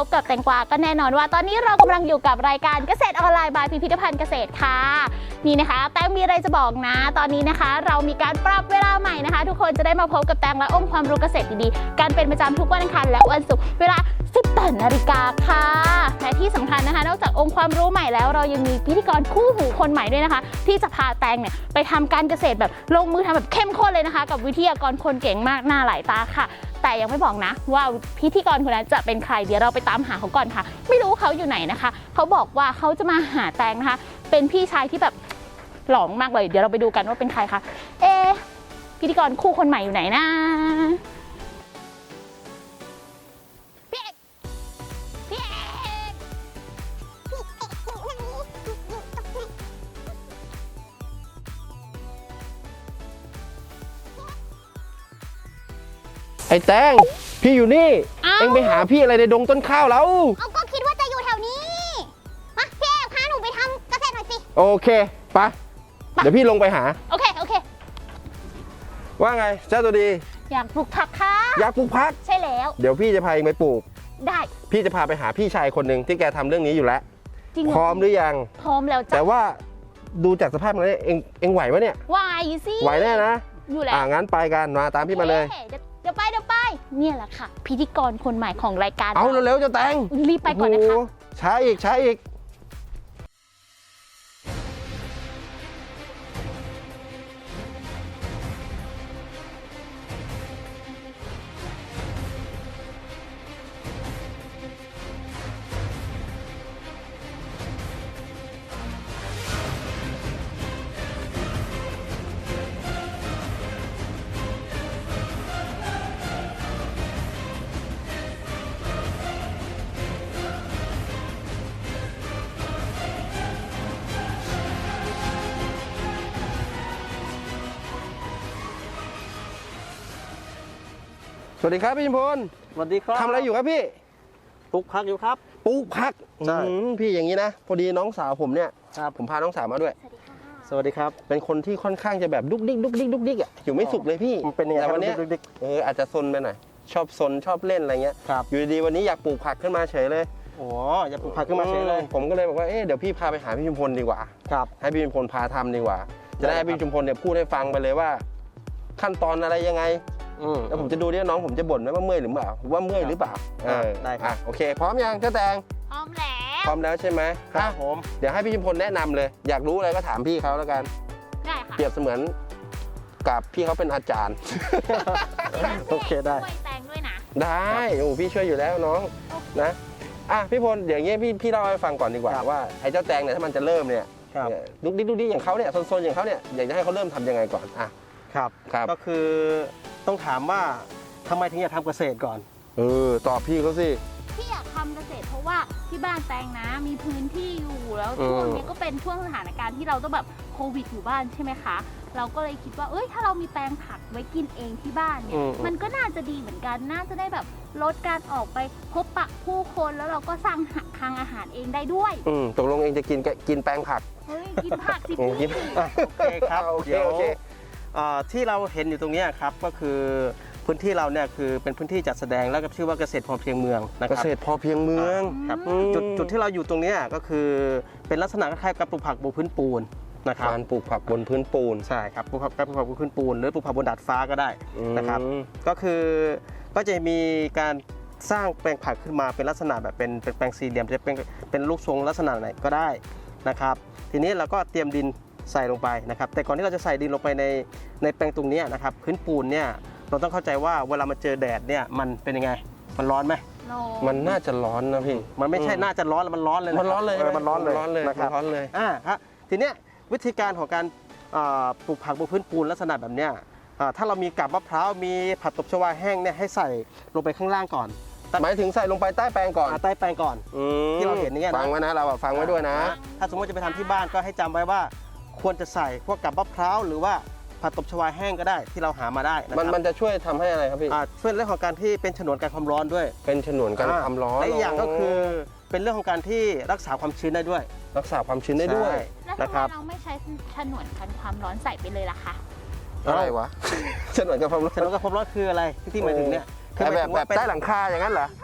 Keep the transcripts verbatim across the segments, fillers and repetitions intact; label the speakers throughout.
Speaker 1: บกับแตงกวาก็แน่นอนว่าตอนนี้เรากำลังอยู่กับรายการเกษตรออนไลน์บายพิพิธภัณฑ์เกษตรค่ะนี่นะคะแตงมีอะไรจะบอกนะตอนนี้นะคะเรามีการปรับเวลาใหม่นะคะทุกคนจะได้มาพบกับแตงและอมความรู้เกษตรดีๆการเป็นประจำทุกวันอังคารและวันศุกร์เวลาสิบแปดนาฬิกาค่ะและที่สำคัญนะคะนอกจากองค์ความรู้ใหม่แล้วเรายังมีพิธีกรคู่หูคนใหม่ด้วยนะคะที่จะพาแตงเนี่ยไปทำการเกษตรแบบลงมือทำแบบเข้มข้นเลยนะคะกับวิทยากรคนเก่งมากหน้าหลายตาค่ะแต่ยังไม่บอกนะว่าพิธีกรคนนั้นจะเป็นใครเดี๋ยวเราไปตามหาเขาก่อนค่ะไม่รู้เขาอยู่ไหนนะคะเขาบอกว่าเขาจะมาหาแตงนะคะเป็นพี่ชายที่แบบหล่อมากเลยเดี๋ยวเราไปดูกันว่าเป็นใครคะเอพิธีกรคู่คนใหม่อยู่ไหนนะพี่เอกพี่เอก
Speaker 2: ไอ้แตงพี่อยู่นี่เอ็งไปหาพี่อะไรในดงต้นข้าวแล้ว
Speaker 3: เอาก็คิดว่าจะอยู่แถวนี้มาพี่เอกพาหนูไปทำเกษตรหน่อยสิ
Speaker 2: โอเคไปเดี๋ยวพี่ลงไปหา
Speaker 1: โอเคโอเค
Speaker 2: ว่าไงเจ้าตัวดี
Speaker 1: อยากปลูกผักค่ะ
Speaker 2: อยากปลูกผัก
Speaker 1: ใช่แล้ว
Speaker 2: เดี๋ยวพี่จะพาเองไปปลูก
Speaker 1: ได้
Speaker 2: พี่จะพาไปหาพี่ชายคนหนึ่งที่แกทำเรื่องนี้อยู่แล้ว
Speaker 1: จริง
Speaker 2: พร้อมหรือยัง
Speaker 1: พร้อมแล้วจ้ะ
Speaker 2: แต่ว่าดูจากสภาพมันเองเองไหวไหมเนี่ย
Speaker 1: ไหวสิ
Speaker 2: ไหวแน่นะ
Speaker 1: อยู่แล้ว
Speaker 2: อ่างั้นไปกันมาตามพี่มาเลย
Speaker 1: เดี๋ยวไปเดี๋ยวไปเนี่ยแหละค่ะพิธีกรคนใหม่ของรายการ
Speaker 2: เอาเร็วๆจะแต่ง
Speaker 1: รีบไปก่อนนะคะ
Speaker 2: ช้าอีกช้าอีกสวัสดีครับพี่ชิมพล
Speaker 4: สวัสดีครับ
Speaker 2: ทำอะไรอยู่ครับพี่
Speaker 4: ปลูกผักอยู่ครับ
Speaker 2: ปลูกผัก
Speaker 4: ใช่
Speaker 2: พี่อย่างนี้นะพอดีน้องสาวผมเนี่ย
Speaker 4: ครับ
Speaker 2: ผมพาน้องสาวมาด้วย
Speaker 4: สวัสดีครับ
Speaker 2: เป็นคนที่ค่อนข้างจะแบบดุกดิกดุกดิกดุกดิกอ่ะอยู่ไม่สุขเลยพี่
Speaker 4: มันเป็นยังไง
Speaker 2: แต่วันนี้เอออาจจะซนไปหน่อยชอบซนชอบเล่นอะไรเงี้ยอยู่ดีๆวันนี้อยากปลูกผักขึ้นมาเฉยเลย
Speaker 4: โอ้อยากปลูกผักขึ้นมาเฉยเลย
Speaker 2: ผมก็เลยบอกว่าเอ๊ะเดี๋ยวพี่พาไปหาพี่ชุมพลดีกว่า
Speaker 4: ครับ
Speaker 2: ให้พี่ชุมพลพาทำดีกว่าจะได้ให้พี่ชุมพลเนี่ยพูดให้ฟังไปเลยว่า ขั้นตอนอะไรยังไงแล้วผมจะดูเนี่ยน้องผมจะบ่นไหมว่าเมื่อยหรือเปล่าว่าเมื่อยหรือเปล่าเออ
Speaker 4: ได้ครับ
Speaker 2: โอเคพร้อมยังเจ้าแตง
Speaker 1: พร้อมแล้ว
Speaker 2: พร้อมแล้วใช่ไหม
Speaker 4: ครับผม
Speaker 2: เดี๋ยวให้พี่ชุมพลแนะนำเลยอยากรู้อะไรก็ถามพี่เขาแล้วกัน
Speaker 1: ได้ค่ะ
Speaker 2: เปรียบเสมือนกับพี่เขาเป็นอาจารย์
Speaker 4: โอเคได้
Speaker 1: ช่วยแตงด้วยนะ
Speaker 2: ได้โอ้พี่ช่วยอยู่แล้วน้องนะอ่ะพี่พลเดี๋ยวอย่างเงี้ยพี่พี่เล่าให้ฟังก่อนดีกว่าว่าไอ้เจ้าแตงเนี่ยถ้ามันจะเริ่มเนี่ยดุกดิ๊กดุกดิ๊กอย่างเขาเนี่ยโซนๆอย่างเขาเนี่ยอยากจะให้เขาเริ่มทำยังไงก่อนอ่ะ
Speaker 4: ครับ
Speaker 2: ครับ
Speaker 4: ก็คือต้องถามว่าทำไมถึงอยากทำเกษตรก่อน
Speaker 2: เออตอบพี่เขาสิ
Speaker 1: ที่อยากทำเกษตรเพราะว่าที่บ้านแตงนะมีพื้นที่อยู่แล้วช่วงนี้ก็เป็นช่วงสถานการณ์ที่เราต้องแบบโควิดอยู่บ้านใช่ไหมคะเราก็เลยคิดว่าเอ้ยถ้าเรามีแปลงผักไว้กินเองที่บ้านเนี่ยมันก็น่าจะดีเหมือนกันน่าจะได้แบบลดการออกไปพบปะผู้คนแล้วเราก็สร้างทางอาหารเองได้ด้วย
Speaker 2: อืมตกลงเองจะกินกินแปลงผัก
Speaker 1: เฮ้ยกินผักสิพี่
Speaker 4: โอเคครับ
Speaker 2: โอเคโอเค
Speaker 4: ที่เราเห็นอยู่ตรงนี้ครับก็คือพื้นที่เราเนี่ยคือเป็นพื้นที่จัดแสดงแล้วก็ชื่อว่าเกษตรพอเพียงเมืองนะครับ
Speaker 2: เกษตรพอเพียงเมือง
Speaker 4: ครับจุดจุดที่เราอยู่ตรงนี้ก็คือเป็นลักษณะคล้ายๆกับปลูกผักบนพื้นปูนนะครับ
Speaker 2: การปลูกผักบนพื้นปูน
Speaker 4: ใช่ครับปลูกผักการปลูกผักบนพื้นปูนหรือปลูกผักบนดาดฟ้าก็ได้นะครับก็คือก็จะมีการสร้างแปลงผักขึ้นมาเป็นลักษณะแบบเป็นเป็นแปลงสี่เหลี่ยมจะเป็นเป็นลูกทรงลักษณะไหนก็ได้นะครับทีนี้เราก็เตรียมดินใส่ลงไปนะครับแต่ก่อนที่เราจะใส่ดินลงไปในในแปลงตรงนี้นะครับพื้นปูนเนี่ยเราต้องเข้าใจว่าเวลามันเจอแดดเนี่ยมันเป็นยังไงมันร้อนไหม
Speaker 2: มันน่าจะร้อนนะพี่
Speaker 4: มันไม่ใช่น่าจะร้อนมันร้อนเลย
Speaker 2: มันร้อนเลย
Speaker 4: มันร้อนเลย
Speaker 2: ร้อนเลย
Speaker 4: นะครับ
Speaker 2: ร้อนเลย
Speaker 4: อ่าครับทีเนี้ยวิธีการของการปลูกผักบนพื้นปูนลักษณะแบบเนี้ยถ้าเรามีกับมะพร้าวมีผักตบชวาแห้งเนี่ยให้ใส่ลงไปข้างล่างก่อน
Speaker 2: หมายถึงใส่ลงไปใต้แปลงก่อน
Speaker 4: ใต้แปลงก่อนที่เราเห็นนี่นะ
Speaker 2: ฟังไว้นะเราฟังไว้ด้วยนะ
Speaker 4: ถ้าสมมติจะไปทำที่บ้านก็ให้จำไว้ว่าควรจะใส่พวกกับมะพร้าวหรือว่าผักตบชวาแห้งก็ได้ที่เราหามาได้
Speaker 2: มันมันจะช่วยทำให้อะไรครับพี่
Speaker 4: ช่วยเรื่องของการที่เป็นฉนวนการความร้อนด้วย
Speaker 2: เป็นฉนวนการความร้อน
Speaker 4: และอีกอย่างก็คือเป็นเรื่องของการที่รักษาความชื้นได้ด้วย
Speaker 2: รักษาความชื้นได้ด้วย
Speaker 1: นะครับเราไม่ใช้ฉนวนกันความร้อนใส่ไปเลยล่ะคะ
Speaker 2: อะไรวะฉนวนกันความร้อน
Speaker 4: ฉนวนกันความร้อนคืออะไรที่หมายถึงเนี่ย
Speaker 2: แบบแบบใต้หลังคาอย่างนั้นเหรอ
Speaker 1: ใช่เพราะ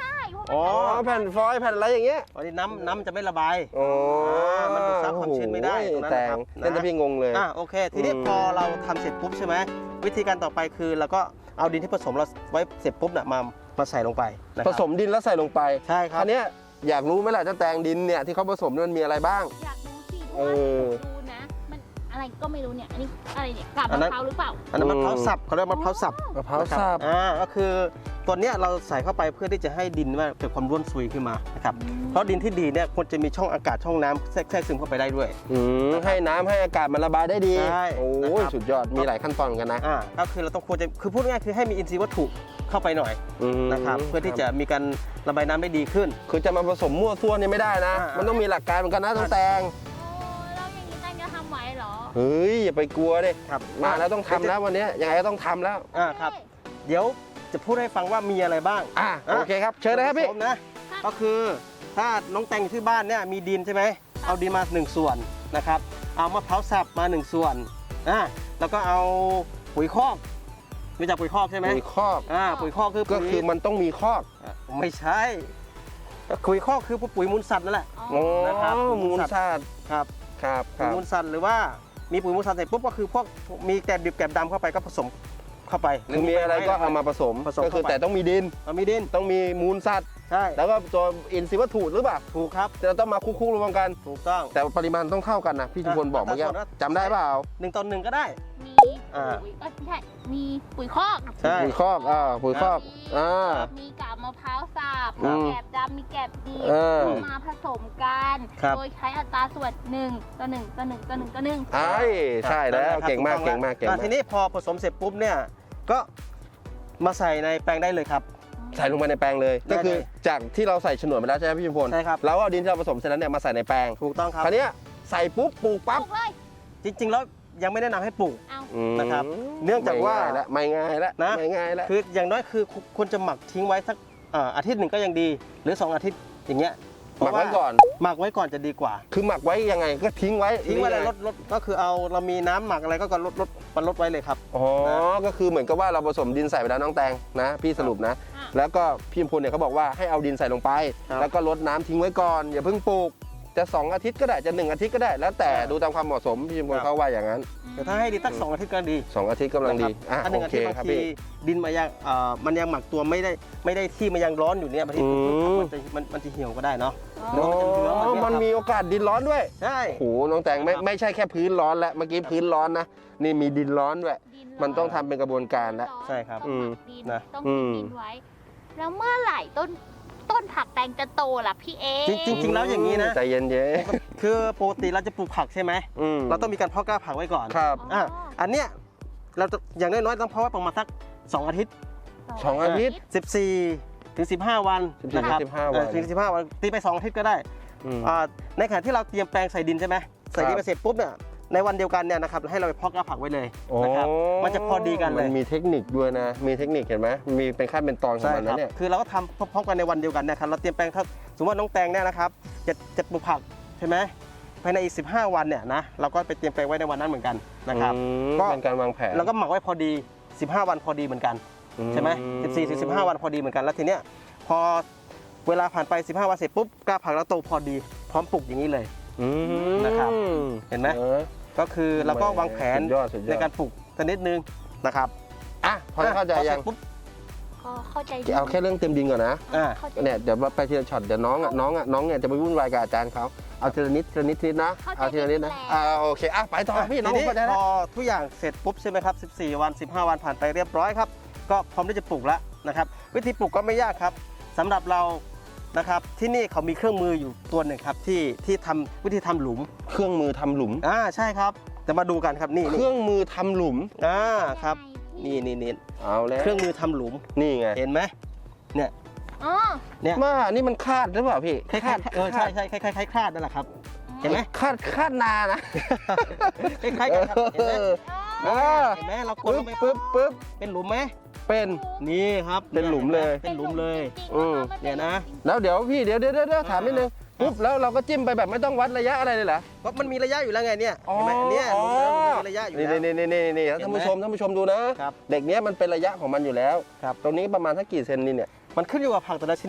Speaker 4: อ๋อ
Speaker 2: อ๋อแผ่นฟอยล์แผ่นอะไรอย่างเงี้ย
Speaker 4: อันนี้น้ำน้ำจะไม่ระบาย
Speaker 2: โอ้
Speaker 4: อ่ามันดูดซับความชื้นไม่ได้ตรงนั้น
Speaker 2: แต่
Speaker 4: นะครับ
Speaker 2: งเล่นแต่พี่งงเลย
Speaker 4: อ่ะโอเค ทีนี้
Speaker 2: อืม
Speaker 4: พอเราทำเสร็จปุ๊บใช่ไหมวิธีการต่อไปคือเราก็เอาดินที่ผสมเราไว้เสร็จปุ๊บน่ะมามาใส่ลงไปนะค
Speaker 2: ผ
Speaker 4: รับ
Speaker 2: สมดินแล้วใส่ลงไป
Speaker 4: ใช่ครับ
Speaker 2: อันเนี้ยอยากรู้ไหมล่ะเจ้าแตงดินเนี่ยที่เขาผสมเนี่ยมันมีอะไรบ้าง
Speaker 1: อยากรู้สิเพ
Speaker 2: เอ
Speaker 1: ราะว่า
Speaker 2: อ
Speaker 1: ดูนะ มันอะไรก็ไม่รู้เนี่ย อันนี้อะไรเนี่ยกาบ
Speaker 4: อัน
Speaker 1: มะ
Speaker 4: นั้น
Speaker 1: พร้าวหรือเปล่า
Speaker 4: อันนั้นมะพร้าวสับเขาเรียกมะพร้าวสับ
Speaker 2: มะพร้าว
Speaker 4: นะครับ
Speaker 2: สับ
Speaker 4: อ่าก็คือตัวเนี้ยเราใส่เข้าไปเพื่อที่จะให้ดินว่าเกิดความร่วนซุยขึ้นมานะครับ
Speaker 1: อืม
Speaker 4: เพราะดินที่ดีเนี่ยควรจะมีช่องอากาศช่องน้ำแทรกแทรกซึมเข้าไปได้ด้วย
Speaker 2: อืมให้น้ำให้อากาศมันระบายได้ดี
Speaker 4: ใช่
Speaker 2: โอ้
Speaker 4: นะ
Speaker 2: ย
Speaker 4: ครับ
Speaker 2: สุดยอดมีหลายขั้นตอนเหมือนกันนะ
Speaker 4: อ่าก็คือเราต้องควรจะคือพูดง่ายๆคือให้มีอินทรีย์วัตถุเข้าไปหน่อย
Speaker 2: อืม
Speaker 4: นะครับเพื่อที่จะมีการระบายน้ำได้ดีขึ้น
Speaker 2: คือจะมาผสมมั่วซั่วนี่ไม่ได้นะ
Speaker 4: อ่ามั
Speaker 2: มันต้องมีหลักการเหมือนกันนะต้องแตง
Speaker 1: โอ้แล้วอย่างนี้แตงจะทำไหวเหรอ
Speaker 2: เฮ้ยอย่าไปกลัวดิ
Speaker 4: ครับ
Speaker 2: มาแล้วต้องทำแล้ววันนี้ยังไงก็ต้องทำแล้ว
Speaker 4: อ่าครับ เดี๋ยวจะพูดให้ฟังว่ามีอะไรบ้าง
Speaker 2: อ่ะโอเคครับเชิญเลยครับพี่
Speaker 4: ส่วนผสมนะก็คือถ้าน้องแตงอยู่ที่บ้านเนี่ยมีดินใช่ไหมเอาดินมาหนึ่งส่วนนะครับเอามะพร้าวสับมาหนึ่งส่วนอ่าแล้วก็เอาปุ๋ยคอกรู้จักปุ๋ยคอกใช่ไหม
Speaker 2: ปุ๋ยคอก
Speaker 4: อ่าปุ๋ยคอกคือ
Speaker 2: ก็
Speaker 4: ปุ๋ย
Speaker 2: คือมันต้องมีคอก
Speaker 4: อ่ะไม่ใช่ปุ๋ยคอกคือปุ๋ยมูลสัตว์นั่นแหละ
Speaker 2: โอ้
Speaker 4: นะครับ
Speaker 2: มูลสัตว์
Speaker 4: ครับ
Speaker 2: ครับค
Speaker 4: ปุ๋ย
Speaker 2: รับ
Speaker 4: มูลสัตว์หรือว่ามีปุ๋ยมูลสัตว์เสร็จปุ๊บก็คือพวกมีแกลบดิบแกลบดำเข้าไปก็ผสมเข้าไป
Speaker 2: คือมีอะไรก็เอามาผสม
Speaker 4: ผสม
Speaker 2: ก็คือ
Speaker 4: เข้าไป
Speaker 2: แต่ต้องมีดิน
Speaker 4: เอามีดิน
Speaker 2: ต้องมีมูลสัตว์
Speaker 4: ใช่
Speaker 2: แล้วก็ตัวอินทรีย์วัตถุหรือเปล่า
Speaker 4: ถูกครับ
Speaker 2: จะต้องมาคู่ๆรวมกัน
Speaker 4: ถูกต้อง
Speaker 2: แต่ปริมาณต้องเท่ากันนะพี่ชุมพลบอกเมื่อกี้
Speaker 4: แต่ส่วนว่า
Speaker 2: จำได้เปล่า
Speaker 4: หนึ่งต่อหนึ่งก็ได้
Speaker 1: มี
Speaker 4: อ่า
Speaker 1: ปุ๋ยเอ้ยไม่ใช่ มีปุ๋ยคอก
Speaker 4: ใช่
Speaker 2: ปุ๋ยคอกอ่าปุ๋ยคอกอ่า
Speaker 1: มีกาบมะพร้าวสับ
Speaker 2: อื
Speaker 1: มี
Speaker 2: ม
Speaker 1: แกบดำมีแกบดี
Speaker 2: เออ
Speaker 1: มาผสมกัน
Speaker 4: ครับ
Speaker 1: โดยใช้อัตราส่วนหนึ่งต่อหนึ่งต่อหนึ่งต่อหนึ่งต่อหนึ่ง
Speaker 2: ไอ้ใช่แล้วเก่งมากเก่งมากเก่ง
Speaker 4: อ่ะ
Speaker 2: มาก
Speaker 4: ทีนี้พอผสมเสร็จปุ๊บเนี่ยก็มาใส่ในแปลงได้เลยครับ
Speaker 2: ใส่ลงไปในแปลงเลย
Speaker 4: ได้
Speaker 2: ก็คือ
Speaker 4: เลย
Speaker 2: จากที่เราใส่ฉนวนไปแล้วใช่ไหมพี่ชุมพล
Speaker 4: ใช่ครับ
Speaker 2: แล้วเอาดินที่เราผสมเสร็จแล้วเนี่ยมาใส่ในแปลง
Speaker 4: ถูกต้องครับ
Speaker 2: คราวเนี้ยใส่ปุ๊บปลูก
Speaker 1: ป
Speaker 2: ปั๊บ
Speaker 1: ลูกเลย
Speaker 4: จริงๆแล้วยังไม่แนะนำให้ปลูก
Speaker 1: เอา
Speaker 2: อืม
Speaker 4: นะครับเนื่องจากว่า
Speaker 2: ไม่ง่ายละ
Speaker 4: นะ
Speaker 2: ไม่ง่ายละ
Speaker 4: คืออย่างน้อยคือควรจะหมักทิ้งไว้สักเอ่ออาทิตย์หนึ่งก็ยังดี หรือสองอาทิตย์อย่างเงี้ย
Speaker 2: หมักไว้ก่อน
Speaker 4: หมักไว้ก่อนจะดีกว่า
Speaker 2: คือหมักไว้ยังไงก็ทิ้งไว้
Speaker 4: ทิ้งไว้เลย
Speaker 2: นี่
Speaker 4: ลดลดก็คือเอาเรามีน้ำหมักอะไรก็ก็ลดลดมันลดไว้เลยครับ
Speaker 2: อ๋อ ก็คือเหมือนกับว่าเราผสมดินใส่ไปแล้วน้องแตงนะ พี่สรุปนะ
Speaker 1: อ่ะ
Speaker 2: แล้วก็พี่ชุมพลเนี่ยเขาบอกว่าให้เอาดินใส่ลงไป
Speaker 4: ครับ
Speaker 2: แล้วก็ลดน้ำทิ้งไว้ก่อน อย่าเพิ่งปลูก จะสองอาทิตย์ก็ได้จะหนึ่งอาทิตย์ก็ได้ แล้วแต่
Speaker 4: ครับ
Speaker 2: ดูตามความเหมาะสมพี่ชุมพล
Speaker 4: ครับ
Speaker 2: เขาว่าอย่างนั้น
Speaker 4: แต่ถ้าให้ดีสักสองอาทิตย์ก็ดี
Speaker 2: สองอาทิตย์กำลังดี
Speaker 4: นะครับ
Speaker 2: อ่ะ
Speaker 4: ถ้าหนึ่ง
Speaker 2: โอ
Speaker 4: อา
Speaker 2: เค
Speaker 4: ทิตย์บาง
Speaker 2: ครับ
Speaker 4: ที
Speaker 2: พี่
Speaker 4: ดินมันยังเอ่อมันยังหมักตัวไม่ได้ไม่ได้ที่มันยังร้อนอยู่เนี่ยบางที
Speaker 2: อืม
Speaker 4: มันจะมันมันจะเหี่ยวก็ได้เนาะ
Speaker 1: อ๋อ
Speaker 4: เนื้อมันจะเหลือง
Speaker 2: อ๋อ
Speaker 4: แบบ
Speaker 2: มัน
Speaker 4: เนี้ยครับ
Speaker 2: มีโอกาสดินร้อนด้วย
Speaker 4: ใช่
Speaker 2: โอ้โหน้องแตงไม่
Speaker 4: ครับ
Speaker 2: ไม่ใช่แค่พื้นร้อนแล้ว เมื่อกี้พื้นร้อนนะ นี่มีดินร้อนด้วย
Speaker 1: ดิ
Speaker 2: มันต้องทำเป็นกระบวนการแล้ว
Speaker 4: ใช่ครับ
Speaker 1: ต้องหมักดิน
Speaker 4: นะ
Speaker 1: ต้อง
Speaker 2: อื
Speaker 1: กิน
Speaker 2: ม
Speaker 1: ดินไว้ แล้วเมื่อไหร่ต้นต้นผักแตงจะโตล่ะพี่เอ
Speaker 4: จริง ๆ แล้วอย่างนี้นะ
Speaker 2: ใจเย็น
Speaker 4: คือปกติเราจะปลูกผักใช่ไหม
Speaker 2: ๆอืม
Speaker 4: เราต้องมีการเพาะกล้าผักไว้ก่อน
Speaker 2: ครับ
Speaker 4: อ่ะอันเนี้ยเราจะอย่างน้อยๆต้องเพาะไว้ประมาณสักสองอาทิตย์
Speaker 2: สองอาทิตย์
Speaker 4: สิบสี่ถึงสิบห้าวัน
Speaker 2: สิบสี่
Speaker 4: นะครับ
Speaker 2: ถึงสิบห้าวัน
Speaker 4: เออถึงสิบห้าวันตีไปสองอาทิตย์ก็ได้
Speaker 2: อืม
Speaker 4: อ่าในขณะที่เราเตรียมแปลงใส่ดินใช่ไหมใส่ดิ
Speaker 2: ครั
Speaker 4: น
Speaker 2: บ
Speaker 4: ไปเสร็จปุ๊บเนี่ยในวันเดียวกันเนี่ยนะครับให้เราไปเพาะกล้าผักไว้เลย
Speaker 2: โอ้
Speaker 4: นะครับมันจะพอดีกันเล
Speaker 2: มั
Speaker 4: ย
Speaker 2: นมีเทคนิคด้วยนะ มีเทคนิคเห็นไหมมีเป็นขั้นเป็นตอนของ
Speaker 4: ใช่
Speaker 2: มัน
Speaker 4: ครั
Speaker 2: นะ
Speaker 4: บ
Speaker 2: เนี่ย
Speaker 4: คือเราก็ทำพร้อมๆกันในวันเดียวกันนะครับเราเตรียมแปลงถ้าสมมติว่าน้องแตงเนี่ยนะครับจะจะปลูกผักใช่ไหมภายในอีกสิบห้าวันเนี่ยนะเราก็ไปเตรียมแปลงไว้ในวันนั้นเหมือนกันนะครับ
Speaker 2: อืม
Speaker 4: ก็
Speaker 2: เป็นการวางแผน
Speaker 4: แล้วก็หมักไว้พอดีสิบห้าวันพอดีเหมือนกันใช่ไหมสิบสี่ถึงสิบห้าวันพอดีเหมือนกันแล้วทีเนี้ยพอเวลาผ่านไปสิบห้าวันเสร็จปุ๊บกล้าผักแล้วโตพอดีพร้อมปลูกอย่างนี้เลย
Speaker 2: อืม
Speaker 4: นะครับเห็นไหม
Speaker 2: ออ
Speaker 4: ก็คือเราก็วางแผน
Speaker 2: สุดยอดสุดยอด
Speaker 4: ในการปลูกสักนิดนึงนะครับ
Speaker 2: อ่ะพอจะเข้าใจ
Speaker 4: พอสร็
Speaker 2: ยัง
Speaker 4: ปุ๊บ
Speaker 1: ก็เข้าใจดี
Speaker 2: เอาแค่เรื่องเต็มดินก่อนนะ
Speaker 4: อ่า
Speaker 1: เข้าใจ
Speaker 2: เนี่ยเดี๋ยวไปทีละช็อตเดี๋ยวน้องอ่ะน้องอ่ะน้องเนี่ยจะไปวุ่นวายกับอาจารย์เขาเอาทีละนิดทีละนิดทีละนิดนะเอาทีละนิดนะอ่าโอเคอ่ะไปต่อพี่น้อง
Speaker 4: ทีนี้
Speaker 2: เข้าใจ
Speaker 4: พ
Speaker 2: แล้ว
Speaker 4: อทุกอย่างเสร็จปุ๊บใช่ไหมครับสิบสี่วันสิบห้าวันผ่านไปเรียบร้อยครับก็พร้อมที่จะปลูกแล้วนะครับวิธีปลูกก็ไม่ยากครับสำหรับเรานะครับที่นี่เขามีเครื่องมืออยู่ตัวหนึ่งครับที่ที่ทำวิธีทำหลุม
Speaker 2: เครื่องมือทำหลุม
Speaker 4: อ่าใช่ครับจะมาดูกันครับนี่
Speaker 2: เค
Speaker 4: นี่
Speaker 2: รื่องมือทำหลุม
Speaker 4: อ่าครับนี่นี่นี่
Speaker 2: เอาแล้ว
Speaker 4: เครื่องมือทำหลุม
Speaker 2: นี่ไง
Speaker 4: เห็นไหมเนี่ย
Speaker 1: อ๋อ
Speaker 4: เนี่ย
Speaker 2: ว่านี่มันคาดหรือเปล่าพี่
Speaker 4: คล้ายๆเออใช่ใช่คล้ายๆคล้ายๆคลาดนั่นแหละครับเห็นไหม
Speaker 2: คาดคาดนานะ
Speaker 4: คล้ายๆกันครับเห็นไหม
Speaker 2: เออ
Speaker 4: เห็นไหมเรากด
Speaker 2: ปึ๊
Speaker 4: ล
Speaker 2: บ
Speaker 4: งไป
Speaker 2: ปึ๊บปึ๊บ
Speaker 4: เป็นหลุมไหม
Speaker 2: เป็น
Speaker 4: นี่ครับ
Speaker 2: เป็นหลุมเลย
Speaker 4: เป็นหลุมเลย
Speaker 2: อืม
Speaker 4: เนี่ยนะ
Speaker 2: แล้วเดี๋ยวพี่เดี๋ยวเดี๋ยวเดี๋ยวถามนิดนึงปุ๊บแล้วเราก็จิ้มไปแบบไม่ต้องวัดระยะอะไรเลยเหรอ
Speaker 4: เพราะมันมีระยะอยู่แล้วไงเนี่ย
Speaker 2: อ๋อ
Speaker 4: เห็นไหมเนี่ยหลุมแล้วมันมีระยะอยู่
Speaker 2: นี่
Speaker 4: แล้ว
Speaker 2: นี่นี่นี่นี่
Speaker 4: เห็นไหม
Speaker 2: ท่านผู้ชมท่านผู้ชมดูนะครับ เด็กเนี้ยมันเป็นระยะของมันอยู่แล้ว
Speaker 4: ครับ
Speaker 2: ตรงนี้ประมาณสักกี่เซนนี่เนี่ย
Speaker 4: มันขึ้นอยู่กับผักแต่ละชนิดครับ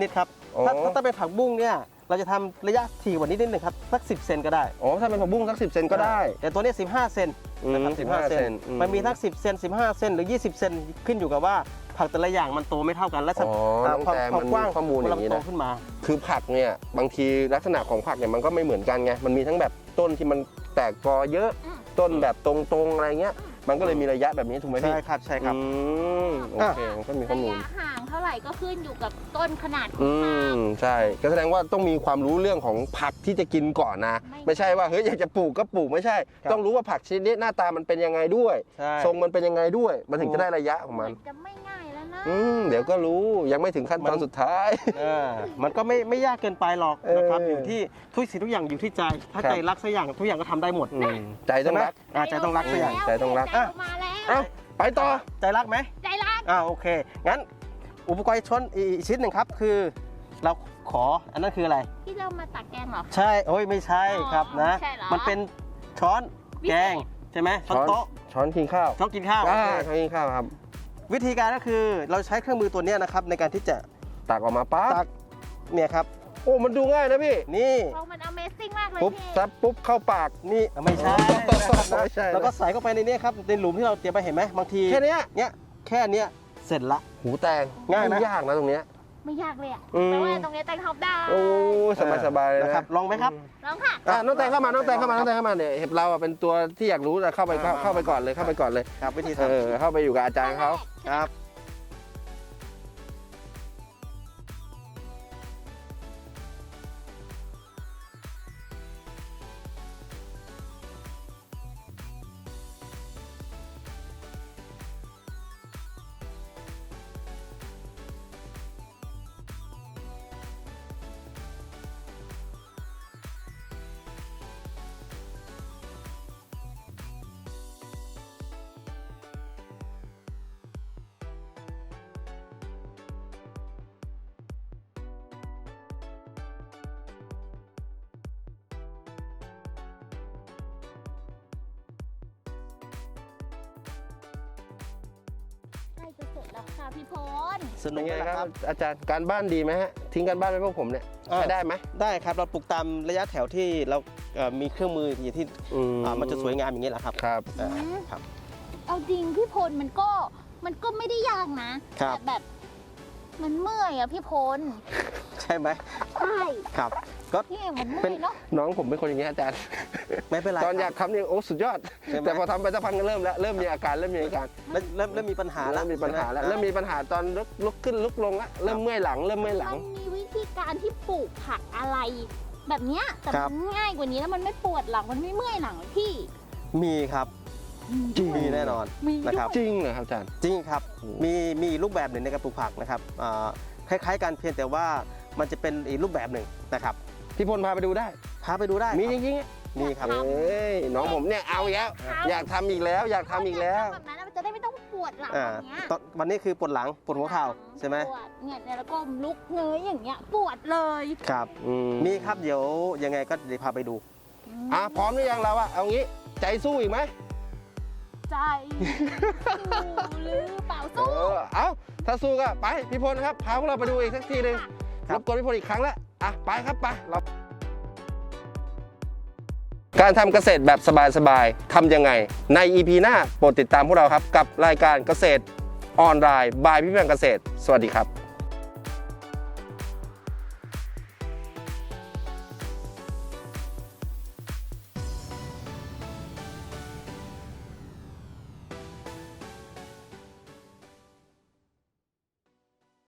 Speaker 2: อ๋อ
Speaker 4: ถ้าถ้าเป็นผักบุ้งเนี่ยเราจะทำระยะถี่กว่านี้นิดนึงครับสักสิบเซนก็ได้
Speaker 2: อ๋อถ้าเป็นผักบุ้งสักสิบเซนก็ได้
Speaker 4: แต่ตัวนี้สิบห้าเซน
Speaker 2: อืม
Speaker 4: นะครับ
Speaker 2: สิบห้า
Speaker 4: 15
Speaker 2: เซนอืม
Speaker 4: มันมีทั้งสิบเซนสิบห้าเซนหรือยี่สิบเซนขึ้นอยู่กับว่าผักแต่ละอย่างมันโตไม่เท่ากันและ
Speaker 2: อ๋อน้อง
Speaker 4: ความ
Speaker 2: แตง
Speaker 4: ความ
Speaker 2: มัน
Speaker 4: กว้าง
Speaker 2: ข้อมูลอย่างนี้
Speaker 4: โต
Speaker 2: นะ
Speaker 4: ขึ้นมา
Speaker 2: คือผักเนี่ยบางทีลักษณะของผักเนี่ยมันก็ไม่เหมือนกันไงมันมีทั้งแบบต้นที่มันแตกกอเยอะ
Speaker 3: อืม
Speaker 2: ต้นแบบตรงๆอะไรเงี้ยมันก็เลยมีระยะแบบนี้ถูกไหมพี่
Speaker 4: ใช่ครับใช่ครับ
Speaker 2: อืมโอเคก็มีข้อ
Speaker 1: ระ
Speaker 2: มูล
Speaker 1: ยะห่างเท่าไหร่ก็ขึ้นอยู่กับต้นขนาดขอ
Speaker 2: อื
Speaker 1: งผัก
Speaker 2: มใช่ก็แสดงว่าต้องมีความรู้เรื่องของผักที่จะกินก่อนนะ
Speaker 1: ไม่
Speaker 2: ไม่ใช่ว่าเฮ้ยอยากจะปลูกก็ปลูกไม่ใช่
Speaker 4: ครับ
Speaker 2: ต้องรู้ว่าผักชนิดนี้หน้าตามันเป็นยังไงด้วย
Speaker 4: ใช่
Speaker 2: ทรงมันเป็นยังไงด้วย มันถึงจะได้ระยะของ
Speaker 1: เห
Speaker 2: มั
Speaker 1: มื
Speaker 2: น
Speaker 1: อนจะไม่ง่ายแล้วนะ
Speaker 2: อืมเดี๋ยวก็รู้ยังไม่ถึงขั้นตอนสุดท้าย
Speaker 4: เออมันก็ไม่ไม่ยากเกินไปหรอกนะครับ
Speaker 2: เออ
Speaker 4: อ
Speaker 2: อ
Speaker 4: ยู่ที่ทุกสิ่งทุกอย่างอยู่ที่ใจ ถ้า
Speaker 2: ครับ
Speaker 4: ใจรักสักอย่างทุกอย่างก็ทำได้หมด
Speaker 2: อืมใจต้องรัก
Speaker 4: ใช่ไหมอ่าใจต้องรักสักอย่าง
Speaker 2: ใจต้องรัก
Speaker 1: ใจมาแล้ว
Speaker 2: เอ้าไปต่อ
Speaker 4: ใจรักไหม
Speaker 1: ใจรัก
Speaker 4: อ่าโอเค งั้นอุปกรณ์ชนอีกชิ้นหนึ่งครับ คือเราขออันนั้นคืออะไร
Speaker 1: ที่เรามาตักแกงเหรอ
Speaker 4: ใช่โอ้ยไม่ใช่ครับนะ
Speaker 1: ไม่ใช่เหรอ
Speaker 4: มันเป็นช้อน
Speaker 1: วิเศษ
Speaker 4: แกงใช่ไหมช้อนโต๊ะ
Speaker 2: ช้อนกินข้าว
Speaker 4: ช้อนกินข้าว
Speaker 2: อ่า
Speaker 4: โอเค
Speaker 2: ช้อนกินข้าวครับ
Speaker 4: วิธีการก็คือเราใช้เครื่องมือตัวเนี้ยนะครับในการที่จะ
Speaker 2: ตักออกมาปั๊บ
Speaker 4: ตักเนี่ยครับ
Speaker 2: โอ้มันดูง่ายนะพี่
Speaker 4: นี่
Speaker 1: เพราะมัน Amazing มากเลย
Speaker 2: ปุ๊บ
Speaker 1: พี่
Speaker 2: ซับปุ๊บเข้าปาก
Speaker 4: นี่ไม่ใช่นะครับนะ
Speaker 2: ไม่ใช่นะ
Speaker 4: แล้วก็ใส่เข้าไปในเนี้ครับในหลุมที่เราเตรียมไปเห็นไหมบางที
Speaker 2: แค่เนี้ย
Speaker 4: เนี้ยแค่เนี้ยเสร็จละ
Speaker 2: หูแตง
Speaker 4: ง่ายไหม
Speaker 2: ไม่ยากนะตรงเนี้ย
Speaker 1: ไม่ยากเลยอ่ะ
Speaker 2: อืม
Speaker 1: แปลว่าตรงนี้แตงทำได้
Speaker 2: โอ้สบายสบายๆเลย
Speaker 4: นะครับลองไหมครับ
Speaker 1: ลองค่ะ
Speaker 2: อ่ะน้องแตงเข้ามาน้องแตงเข้ามาน้องแตงเข้ามาเนี่ยเห็บเราอ่ะเป็นตัวที่อยากรู้แต่เข้าไปเข้าเข้าไปก่อนเลยเข้าไปก่อนเลย
Speaker 4: ครับวิธี
Speaker 2: เอ
Speaker 4: ทำ
Speaker 2: อเข้าไปอยู่กับอาจารย์เขา
Speaker 4: ครับ
Speaker 1: ใกล้จะเสร็จแล้วค่ะพี่พล
Speaker 4: สนุ
Speaker 2: เป็
Speaker 4: ก
Speaker 2: น
Speaker 4: ไห
Speaker 2: ไง
Speaker 4: ม
Speaker 2: ค
Speaker 4: ค
Speaker 2: รั
Speaker 4: รั
Speaker 2: บบ อาจารย์การบ้านดีไหมฮะทิ้งการบ้านไว้พวกผมเนี่ย
Speaker 4: อ่า
Speaker 2: ใช้ได้ไหม
Speaker 4: ได้ครับเราปลูกตามระยะแถวที่เราเอ่อมีเครื่องมืออย่างที่
Speaker 2: อื
Speaker 4: อ่ามันจะสวยงามอย่างนี้แหละครับ
Speaker 2: ครับ
Speaker 4: อ่าครับ
Speaker 1: เอาจริงพี่พลมันก็มันก็ไม่ได้ยากนะครับ แต่แบบมันเมื่อยอะพี่พล
Speaker 4: ใช่ไหม
Speaker 1: ใช่
Speaker 4: ครับก็
Speaker 1: พี่มันเมื่
Speaker 4: เป็
Speaker 1: อน ยเนาะ
Speaker 2: น้องผมเป็นคนอย่างนี้ยอาจารย์
Speaker 4: ไม่เป็นไร
Speaker 2: ตอนอยาก
Speaker 4: ครับ
Speaker 2: ทำเนี่ยโอ้สุดยอด
Speaker 4: ใช่ไหม
Speaker 2: แต่พอทำไปสักพักก็เริ่มแล้วเริ่มมีอาการเริ่มมีอาการ
Speaker 4: เริ่มเริ่มเริ่มมีปัญหาแล้ว
Speaker 2: เริ่มมีปัญหาแล้ว
Speaker 4: ใช่ไ
Speaker 2: เริ่มมีปัญหาตอนลุกลุกขึ้นลุกลงละเริ่มเมื่อยหลังเริ่มเมื่อยหลั
Speaker 1: มั
Speaker 2: ง
Speaker 1: นมีวิธีการที่ปลูกผักอะไร แบบเนี้ยแต่
Speaker 4: ครั
Speaker 1: มั
Speaker 4: บ
Speaker 1: นง่ายกว่านี้แล้วมันไม่ปวดหลังมันไม่เมื่อยหลังเลยพี่
Speaker 4: มีครับ
Speaker 2: จริง
Speaker 4: มีแน่นอน
Speaker 1: มี
Speaker 4: นะ
Speaker 1: ด้
Speaker 4: ครั
Speaker 1: ว
Speaker 4: บ
Speaker 1: ย
Speaker 2: จริงเหรอครับอาจารย์
Speaker 4: จริงครับ
Speaker 2: โอ้
Speaker 4: มีมีรูปแบบหนึ่งในการปลูกผักนะครับอ่าคล้ายๆกันเพียงแต่ว่ามันจะเป็นอีกรูปแบบหนึ่งนะครับ
Speaker 2: พี่พลพาไปดูได้
Speaker 4: พาไปดูได้
Speaker 2: มี
Speaker 4: ค
Speaker 2: จ
Speaker 4: รับ
Speaker 2: ริงๆอะ
Speaker 4: มีครับ
Speaker 2: เอ้ยน้องผมเนี่ยเอาอีกแล้วอยากทำอีกแล้วอยากทำอีกแล้ว
Speaker 1: แบบนั้นมันจะได้ไม่ต้องปวดหลัง
Speaker 4: อ่า
Speaker 1: แบบเนี้ย
Speaker 4: ตอนวันนี้คือปวดหลังปวดหัวเข่าใช่ไหม
Speaker 1: ปวดเนี่ยแล้วก็ลุกเงยอย่างเงี้ยปวดเลย
Speaker 4: ครับ
Speaker 2: อืม
Speaker 4: มีครับเดี๋ยวยังไงก็เดี๋ยวพาไปดู
Speaker 2: อ่ะพร้อมหรือยังเราอะเอางี้ใจสู้อีกไหม
Speaker 1: ใจสู้หรือเปล่า
Speaker 2: เอ
Speaker 1: สู้
Speaker 2: อเอาถ้าสู้ก็ไปพี่พลครับพาพวกเราไปดูอีกสักทีหนึ่ง
Speaker 4: ครั
Speaker 2: ร
Speaker 4: บ
Speaker 2: บกวนพี่พลอีกครั้งแล้วอ่ะไปครับไปเราการทำเกษตรแบบสบายๆทำยังไงใน อี พี หน้าโปรดติดตามพวกเราครับกับรายการเกษตรออนไลน์บายพี่แบงเกษตรสวัสดีครับ